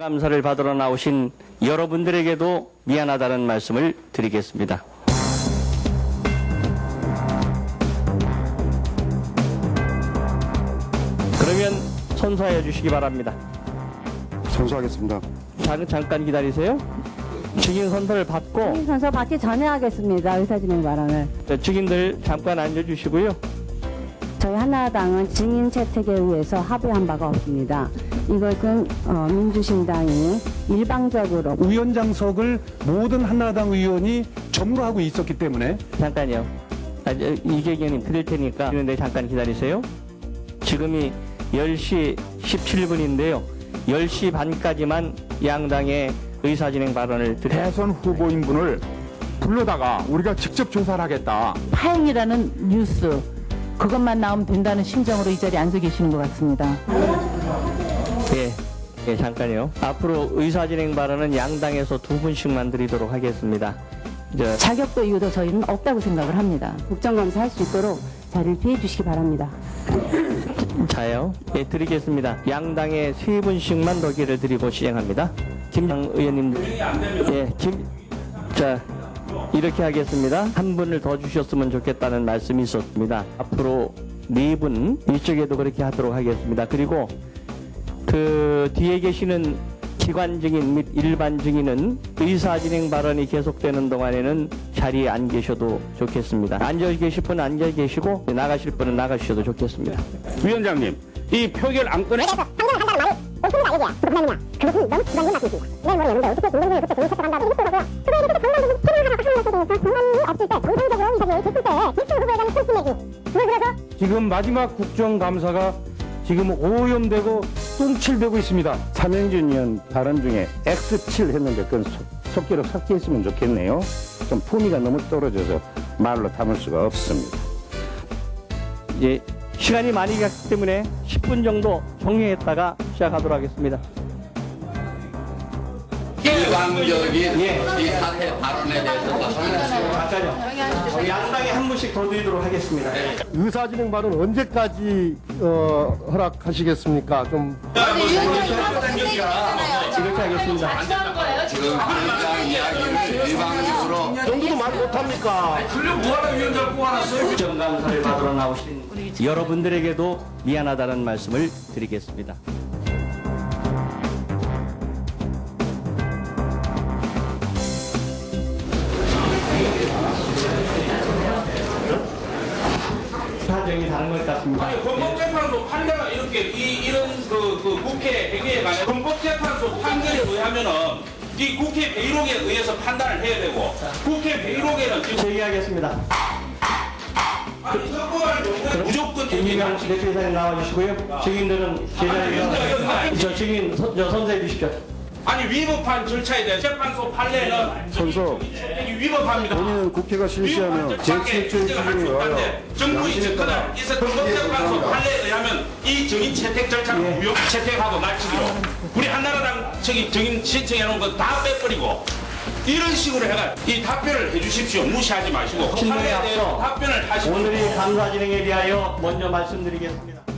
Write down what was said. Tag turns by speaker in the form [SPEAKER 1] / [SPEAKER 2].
[SPEAKER 1] 감사를 받으러 나오신 여러분들에게도 미안하다는 말씀을 드리겠습니다. 그러면 선서해 주시기 바랍니다.
[SPEAKER 2] 선서하겠습니다.
[SPEAKER 1] 잠깐 기다리세요. 증인 선서를 받고
[SPEAKER 3] 증인 선서 받기 전에 하겠습니다. 의사진행 발언을.
[SPEAKER 1] 증인들 잠깐 앉아주시고요.
[SPEAKER 3] 저희 한나라당은 증인 채택에 의해서 합의한 바가 없습니다. 이것은 민주신당이 일방적으로
[SPEAKER 2] 위원장석을 모든 한나라당 의원이 점유하고 있었기 때문에
[SPEAKER 1] 잠깐요. 이계경님 드릴 테니까 그런데 잠깐 기다리세요. 지금이 10시 17분인데요. 10시 반까지만 양당의 의사진행 발언을 드려요.
[SPEAKER 4] 대선 후보인 분을 불러다가 우리가 직접 조사를 하겠다.
[SPEAKER 5] 파행이라는 뉴스 그것만 나오면 된다는 심정으로 이 자리에 앉아 계시는 것 같습니다.
[SPEAKER 1] 예, 잠깐요. 앞으로 의사진행 발언은 양당에서 2분씩만 드리도록 하겠습니다.
[SPEAKER 5] 자격도 이유도 저희는 없다고 생각을 합니다.
[SPEAKER 3] 국정감사 할 수 있도록 자리를 비해 주시기 바랍니다.
[SPEAKER 1] 자요. 예, 드리겠습니다. 양당에 3분씩만 더 기회를 드리고 시행합니다. 김장 의원님. 예, 자, 이렇게 하겠습니다. 한 분을 더 주셨으면 좋겠다는 말씀이 있었습니다. 앞으로 4분, 이쪽에도 그렇게 하도록 하겠습니다. 그리고 그 뒤에 계시는 기관 증인 및 일반 증인은 의사진행 발언이 계속되는 동안에는 자리에 안 계셔도 좋겠습니다. 앉아 계실 분은 앉아 계시고 나가실 분은 나가셔도 좋겠습니다.
[SPEAKER 4] 위원장님, 이 표결 안건에
[SPEAKER 6] 그것은 너무 주관적인 말씀이십니다. 내일 모레 여러분들 어떻게 김동준이 그때 정치 채택한다고 이랬더라고요. 그거에 대해서 강남도 채용하라고 하는 것에 대해서 권한이 없을 때 정상적으로 이 자리에 됐을 때 일등 후보에 대한 손짓 내기 그걸 그래서
[SPEAKER 2] 지금 마지막 국정감사가 지금 오염되고 똥칠되고 있습니다.
[SPEAKER 7] 차명준 의원 발언 중에 X7 했는데 그건 속기록 삭제했으면 좋겠네요. 좀 품위가 너무 떨어져서 말로 담을 수가 없습니다.
[SPEAKER 1] 이제 시간이 많이 갔기 때문에 10분 정도 종료했다가 시작하도록 하겠습니다.
[SPEAKER 8] 일방적인 이 사태 발언에 대해서
[SPEAKER 1] 잠깐요. 양당에 한 분씩 더 드리도록 하겠습니다.
[SPEAKER 2] 의사진행 발언 언제까지 허락하시겠습니까? 좀
[SPEAKER 1] 이렇게 하겠습니다.
[SPEAKER 8] 지금 위원장 이야기를 일방적으로
[SPEAKER 2] 정도도 말 못합니까?
[SPEAKER 1] 국정감사를 받으러 나오신 여러분들에게도 미안하다는 말씀을 드리겠습니다. 사정이 다른 것 같습니다.
[SPEAKER 9] 아니, 헌법재판소 판례가 이렇게 이런 국회 행위에 관해 헌법재판소 판결에 의하면은 이 국회 회의록에 의해서 판단을 해야 되고 국회 회의록에는 지금
[SPEAKER 1] 제기하겠습니다.
[SPEAKER 9] 아니 선거할 경우에 무조건
[SPEAKER 1] 김민경 대표이사님 나와주시고요. 증인들은 제자리에 저 증인 선서해 주십시오.
[SPEAKER 9] 아니 위법한 절차에 대한 재판소 판례는
[SPEAKER 2] 선서.
[SPEAKER 9] 위법합니다.
[SPEAKER 2] 본인은 국회가 실시하면 제7조의 기준에 의하여
[SPEAKER 9] 정부의 접근을 있었던 헌법재판소 판례에 의하면 이 증인 채택 절차를 무효 채택하고 마치기로 우리 한나라당 증인 신청해 놓은 거 다 빼버리고 이런 식으로 해가 이 답변을 해주십시오. 무시하지 마시고
[SPEAKER 1] 신문에
[SPEAKER 9] 판례에 대해서
[SPEAKER 1] 앞서
[SPEAKER 9] 답변을 하시고
[SPEAKER 1] 오늘의 감사 진행에 대하여 먼저 말씀드리겠습니다.